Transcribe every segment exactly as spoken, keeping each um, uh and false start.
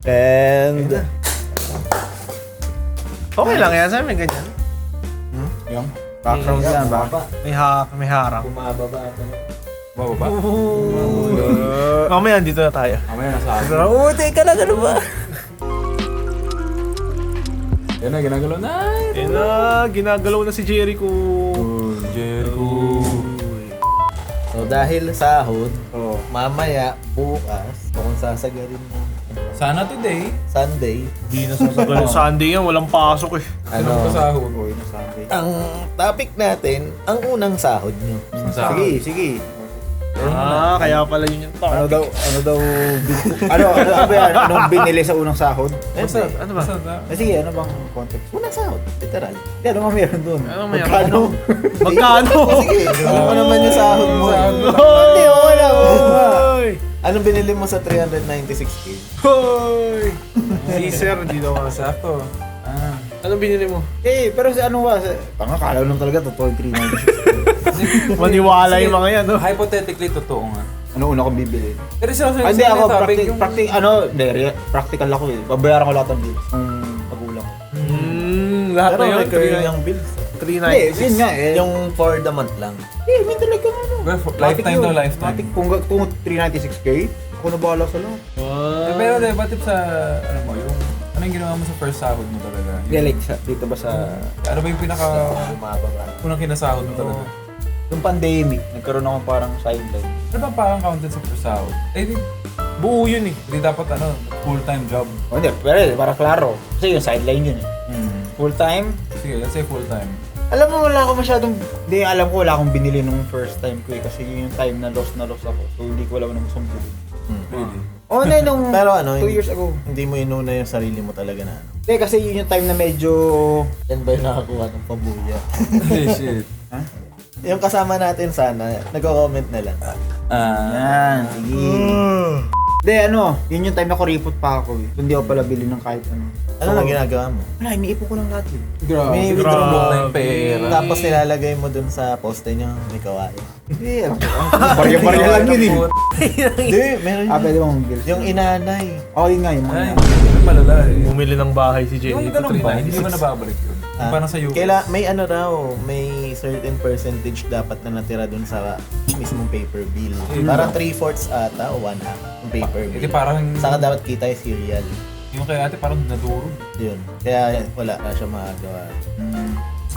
And... Okay lang yan, saan may ganyan? Hmm? Yung? Background yan, ba? May, ha may harang. Bumababa ito. Bababa? Mamaya, dito na tayo. Mamaya nasa akin. Oo, teka lang, ano ba? Yan na, ginagalaw na. Eh na, ginagalaw na si Jericho. Oh, Jericho. So dahil sahod, Oh. mamaya, bukas, kung sasagarin mo Sana today. Sunday, Hindi na sasagal. Sunday yan, walang pasok eh. Ano ano, pa sahod? Uy, na Sunday. ang topic natin, ang unang sahod nyo. Sahod. Sige, sige. Ah, kaya pala yun yung Ano topic. daw, ano daw, bin- ano, ano, ano ba yan? Anong binili sa unang sahod? Basta, ano ba? Basta na. Eh, sige, ano bang context? Unang sahod, literal. Hindi, ano nga meron dun? Ano may Magkano? Magkano? Sige, alam mo naman yung sahod mo. Sahod mo. Hindi, wala mo. Hoy! Anong binili mo sa three ninety-six K? Hoy! Si Sir, hindi daw kasi. Sakto. Ah. Anong binili mo? Eh, pero si ano ba? Tanga, kala lang talaga, totoo yung three ninety-six. Maniwala yung mga yan, no? Hypothetically, totoo nga. Ano una kong bibili? Pero siya Ah, Hindi ako, practic, practic, ano, hindi, re- practical ako eh. Babayaran ko lahat ng bills ng magulang ko. Hmm, lahat Pero na yun. recurring yung bills. three Hindi, yun ninety-six. nga eh. Yung for the month lang. Eh, may talaga ano. Lifetime Matic to yun. lifetime. Matic, kung, kung three ninety-six K, ako na bahala sa lahat. Eh, pero di ba tip sa, ano mo, yung, ano yung ginawa mo sa first sahod mo talaga? Hindi, like, sa, dito ba sa... Ano ba yung pinaka, Bumababa. unang kinasahod mo talaga? Yung pandemic, nagkaroon ako parang sideline. Ano ba parang counted sa first sahod? Eh, di, Buo yun eh. di dapat ano, full-time job. O hindi, pero eh, para klaro. Kasi yung sideline yun eh. Hmm. Full time, Sige, let's say full-time. alam mo wala ako masyadong, hindi alam ko wala akong binili nung first time ko eh. Kasi yun yung time na lost na lost ako. So hindi ko alam anong gusto bilhin. Really? Oo na nung Pero ano, two hindi- years ago. Hindi mo inuna yung sarili mo talaga na ano. Hindi kasi yun yung time na medyo... Yan ba yung nakakuha ng pabuya? Hey, shit. Yung kasama natin sana, nagko-comment na lang. Ah. Yan, sige. Hindi ano, yun yung time na kuripot pa ako eh. So, hindi ako pala bili ng kahit ano. Ano lang ginagawa mo? Wala, iniipon ko lang lahat yun. Grabe. May Grabe. withdraw mo. na yung pera. Tapos nilalagay mo dun sa poste niyo, may kawain. Hindi, ano, barya-barya lang yun eh. Hindi, meron Ah, yun. pwede mong bilhin. Yung inanay. Oo, yun nga, yung mga... Ay, yung malala eh. Bumili ng bahay si Yung Jericho. ganun ba, hindi ba nababalik yun? Yung Ah, parang sa U S. Kaila, may ano raw, may certain percentage dapat na natira dun sa mismong paper bill. Mm. Parang three-fourths ata o one-half yung paper Hindi bill. parang, Saka dapat kita yung serial. yung kay ate parang nadurog. Yun. Kaya wala na siya magagawa. Hmm.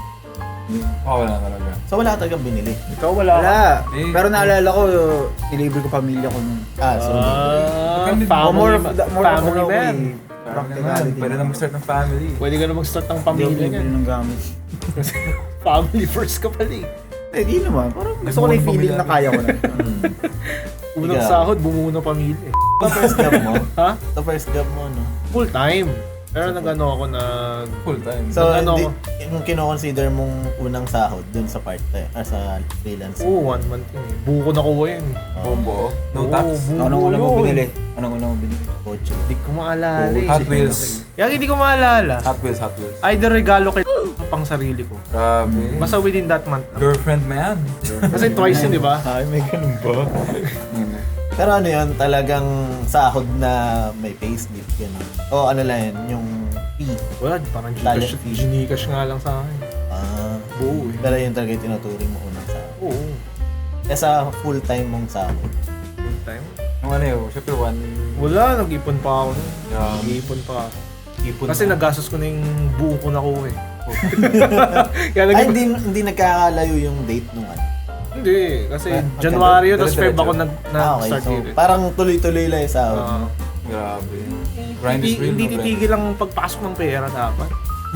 Oo, wala talaga. So wala talagang binili. Ikaw wala. Wala. Eh. Pero naalala ko, nilibre ko pamilya ko nun. Ah, so Ah, Depende- O family, more of ma- the, more of family ano ko man. eh. Practicality. Pwede na mag-start ng family. Pwede ka na mag-start ng Hindi ako pamilya bibili niyan. ng gamit. Family first ka pala eh. Eh, di naman. Parang gusto ko na yung feeling na kaya ko na. hmm. Unang Ikaw. sahod, bumuo ng pamilya eh. Ito first job mo? Ha? Ito first job mo, no? Full time. Pero nag-ano ako nag... Full time. So, Ano hindi, ako? yung kino-consider mong unang sahod dun sa part-time, ah, sa freelance. Oo, one month yun eh. Buo ko nakuha yun eh. Bombo. No Oo, tax. buo Anong una mo yun. binili? Anong una mo binili? Kotse. Hindi ko maalala eh. Hot Wheels. Kaya hindi ko maalala. Hot Wheels, Hot Wheels. Either regalo kay pang sarili ko. Grabe. Basta within that month lang. Girlfriend man. Kasi twice yun, di ba? Ay, may ganun ba? Pero ano yun, talagang sahod na may payslip, gano'n. O ano lang yun, yung fee. Wala, parang Talent Gcash, fee. Gcash nga lang sa akin. Ah, Oo eh. pero yun talaga yung tinuturing mo unang sahod. Oo. Kaya sa full-time mong sahod. Full time. Yung ano yun, syempre one. Wala, nag-ipon pa ako. nun. Yeah. Nag-ipon pa ako. Ipon Kasi na. nagastos ko na yung buo ko na ko eh. Kaya Ay, nag- hindi, hindi nagkakalayo yung date nung ano. Hindi, kasi Ah, January yun, tapos dire-diretso. Feb ako nag, Ah, nag okay. start So, dito. parang tuloy-tuloy lang yung sahod. Ah, Grabe. Grind hindi, is real. hindi no, grind. titigil ang pagpasok ng pera dapat.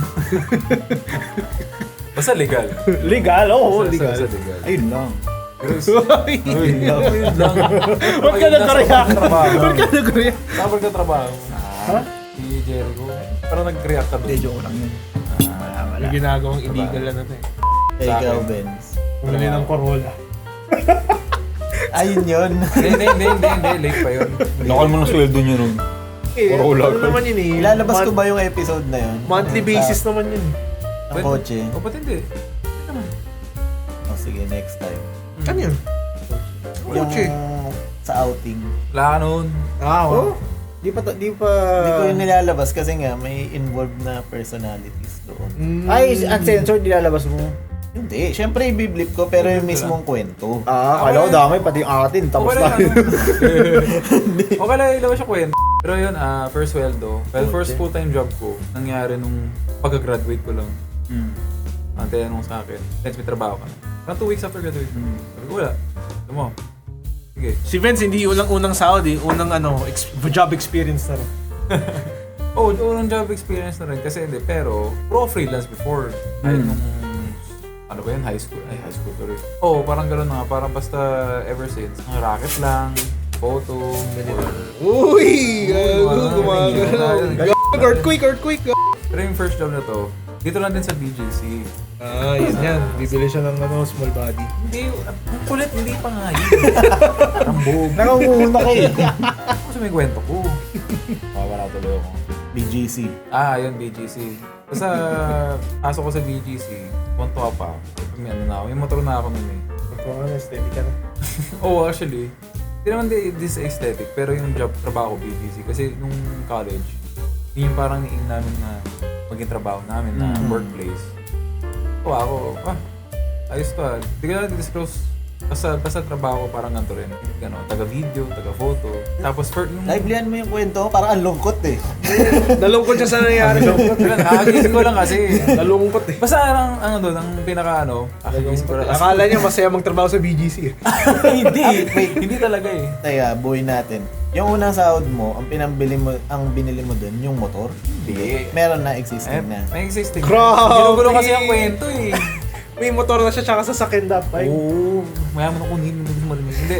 Basta legal. Legal, oo, Basta- legal. basta legal. Ayun lang. Ayun lang. Ayun lang. Ba't ka nag-react? Trabaho. Ba't ka nag-react? Saan ka trabaho? Ha? Si Jericho. Pero nag-react ka Hindi, doon. joke lang yun. May ginagawang illegal na natin. Eh, Sa ikaw, akin. Benz. Bumili ng Corolla. Ayun yun. Hindi, hindi, hindi, hindi, hindi. Late pa yun. Lokal mo ng sweldo niyo nun. Eh, Corolla. ano naman yun eh. Ilalabas ko Month- ba yung episode na yun? Monthly Sa- basis naman yun. Ng kotse. O, ba't hindi? O sige, next time. Ano yun? Yung Kotse. sa outing. Wala ka nun. Ah, oo. Di pa, di pa... Hindi ko yung nilalabas kasi nga may involved na personalities doon. Mm. Ay, uncensored, nilalabas mo. Hindi, syempre i-blip ko pero yung mismong kwento. Ah, kala ko dami, pati yung atin, tapos Okay lang, tayo. ano? Okay lang, ilabas siya kwento. Pero yun, ah, first sweldo. Well, first Okay. full-time job ko, nangyari nung pagka-graduate ko lang. Hmm. Ang tinanong sa akin, Vince, may trabaho ka na. Parang two weeks after graduation. Hmm. Sabi ko, wala. Sabi mo, sige. Si Vince, hindi unang-unang sahod eh. Unang ano, ex- job experience na rin. Oh, unang job experience na rin kasi hindi. Pero, pro freelance before. Kahit Hmm. nung, ano ba yun, high school? Ay, high school tuloy. Oo, oh, parang gano'n na nga. Parang basta ever since. Ang racket lang, photo, or... Uy! Gago, gumagano. Earthquake, earthquake! Pero yung first job na to, dito lang din sa B J C. Ah, yun yan. Bibili siya ng ano, small body. Hindi, ang kulit, hindi pa nga yun. Ang buog. Nakangunguna kayo. Kasi may kwento ko. Mawala tuloy ako. B G C. Ah, yun, B G C. Basta, pasok ko sa B G C, punto pa. May ano na ako, may motor na ako nun eh. Pagkawa ka na, steady ka na. Oo, oh, actually. Hindi naman di, this aesthetic, pero yung job, trabaho ko B G C. Kasi nung college, yun yung parang niing namin na maging trabaho namin na Mm. workplace. O ako, ah, ayos to ah. Hindi ko na disclose. Basta, basta trabaho ko parang ganito rin. Ano, taga-video, taga-photo. Tapos for nung... Livelinhan mo yung kwento, parang ang lungkot eh. Nalungkot siya sa nangyari. Nakagising ko lang kasi. Nalungkot eh. Basta ang ano doon, ang pinaka ano, nakagising ko lang. Akala niya masaya magtrabaho sa B G C eh. hindi, hindi talaga eh. Teka, buhay natin. Yung unang sahod mo, ang pinambili mo, ang binili mo dun, yung motor? Hindi. Meron na Eh, existing na. may existing. Grabe! Ginugulo kasi ang kwento eh. May motor na siya tsaka sa sakin dapat. Oo, mayaman ako hindi mo gusto marinig. Hindi.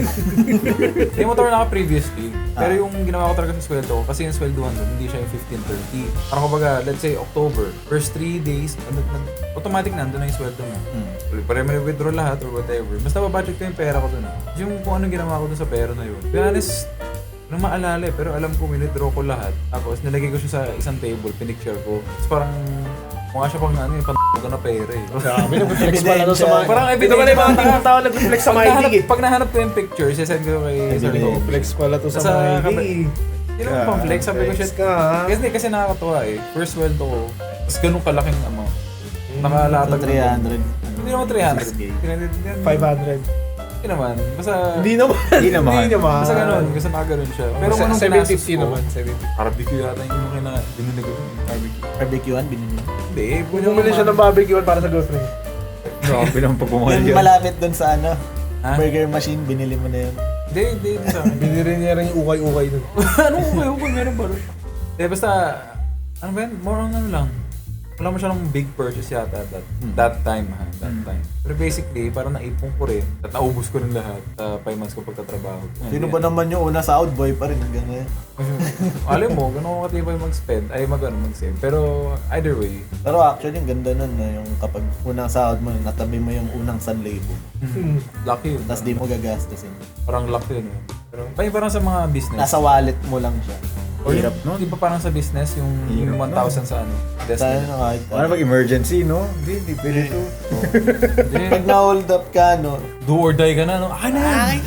May motor na ako previously. Pero yung ginawa ko talaga sa sweldo ko, kasi yung sweldohan doon, hindi siya yung fifteen thirty. Parang kumbaga, let's say October, first three days, ano, ano, automatic nandun na yung sweldo mo. Hmm. Pare may withdraw lahat or whatever. Basta babudget ko yung pera ko doon. Yung kung anong ginawa ko doon sa pera na yun. To be honest, nang maalala eh, pero alam ko, withdraw ko lahat. Tapos nilagay ko siya sa isang table, pinicture ko. Tapos parang, mukha siya pang ano, yung pan***o na pera eh. Grabe, nag-flex pala doon sa mga... Parang Ito pala yung mga tingin tao nag-flex sa Pag mga nahanap, hindi eh. pag nahanap ko yung picture, sisend ko kay Sir Hindi. Tom. Flex pala to sa Sa mga kape- hindi. Yun ang pang flex, sabi ko Flex shit. ka ha. Kasi, kasi nakakatawa eh. First world ko, tapos ganun kalaking amount. Nakalatag So, three hundred. Hindi naman three hundred. six K. five hundred. Hindi naman. Basta, Hindi naman. Hindi naman. Hindi naman. basta ganun. Kasi nakaganon siya. Pero Pero kung seven fifty naman. seven fifty. barbecue yata yung kina, binili ko yung barbecue. Barbecuean, binili mo. Hindi, Bumili siya ng barbecue para sa girlfriend. Grabe naman pagpumahal Yung yun. malapit dun sa ano, Ha? burger machine, binili mo na yun. Hindi, hindi, hindi sa akin. Binili niya rin yung ukay-ukay dun. Ano ko kayo? Kung meron ba rin? Eh, basta, ano ba yan? More on ano lang. Wala mo siya ng big purchase yata that, that time ha, that time. Pero basically, parang naipon ko rin at naubos ko rin lahat sa five months ko pagtatrabaho. Sino ba naman yung una sahod, boy pa rin. Ganun. Alam mo, ganun ako katibay mag-spend, ay mag, ano, mag-save. Pero either way, Pero actually, yung ganda nun na yung kapag unang sahod mo, natabi mo yung unang san libo. Hmm. lucky yun. Tapos di mo gagastusin. Parang lucky yun. Eh. Pero parang, parang sa mga business. Nasa wallet mo lang siya. Or Hirap yung, nun. di ba parang sa business, yung, yung one thousand sa ano? Tayo Destiny. na kahit Ano pag emergency, no? Hindi, hindi pwede to. Hindi. Pag na-hold up ka, no, Do or die ka na, no? Akin na yan!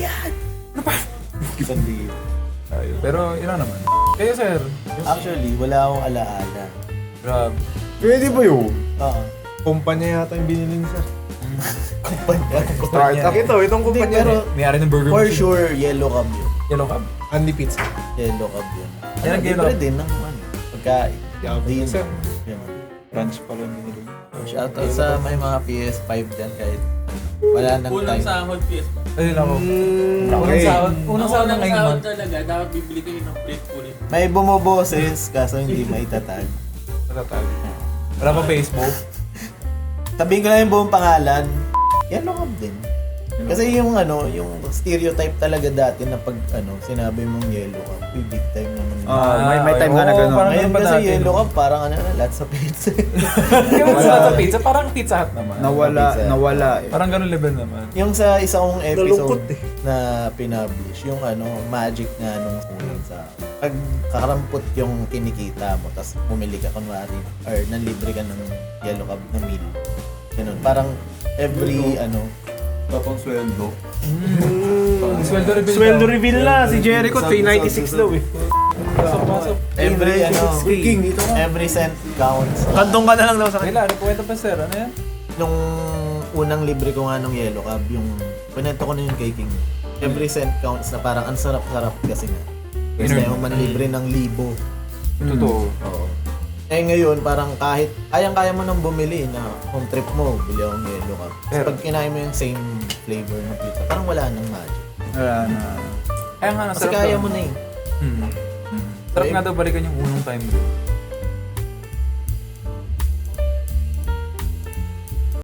san libo. Ayun. Pero yun lang naman. Kayo sir, yung, Actually, wala akong alaala. grabe. Pwede ba yun? Oo. Kumpanya yata yung binili niya. Kumpanya. Startup ito. Itong Hindi, kumpanya. pero May-ari ng burger for machine. sure, yellow cab yun. Yellow cab. Andy Pizza. Yellow cab yun. Yan ang Ano, yellow libre cab. din ng ano, pagkain. Yabang Din. sir. Yun. Crunch pala nila. Shoutout sa may mga P S five dyan kahit wala nang Unang time. sahod P S ba? Ayun ako. Mm, Unang okay. sahod. Unang sahod ng Unang ngayong sahod month. talaga, dapat bibili kayo ng plate ulit. May bumoboses kaso hindi maitatag. Matatag. Wala pa Facebook. Sabihin ko lang yung buong pangalan. Yellow cab din. Kasi yung ano, yung stereotype talaga dati na pag ano, sinabi mong yellow cab, uy, big time naman. yun. Ah, may may okay. time nga na Oo, gano'n. parang Ngayon ganun pa kasi dati, yellow no? cab, parang ano, lots of pizza. Hindi mo sa sa pizza, parang Pizza Hut naman. Nawala, Pizza. nawala eh. Parang ganun level naman. Yung sa isang episode Nalungkot eh. na pinublish, yung ano, magic nga nung unang sa pag kakarampot yung kinikita mo, tapos bumili ka kunwari, or nanlibre ka ng yellow cab na meal. Ganun, parang every ano, Tapang sweldo. Mm. Sweldo reveal Sweldo daw. reveal na. Si Jericho, three ninety-six daw eh. Pasok, pasok. Every, ano, King, dito ka. every cent counts. Kantong ka na lang daw sa Kaya, ano kwento pa sir? Ano yan? Nung unang libre ko nga nung Yellow Cab, yung pinento ko na yun kay King. Every cent counts na parang ang sarap-sarap kasi nga. Kasi Inner- yung man libre ng libo. Totoo. Oo. Eh ngayon, parang kahit kayang-kaya mo nang bumili na home trip mo, bili akong Yellow Cab. Pero Pero- pag kinain mo yung same flavor ng pizza, parang wala nang magic. Wala na. Kaya nga, Kasi nasarap kaya daw. mo na eh. Hmm. Hmm. Sarap nga daw balikan yung unang time doon.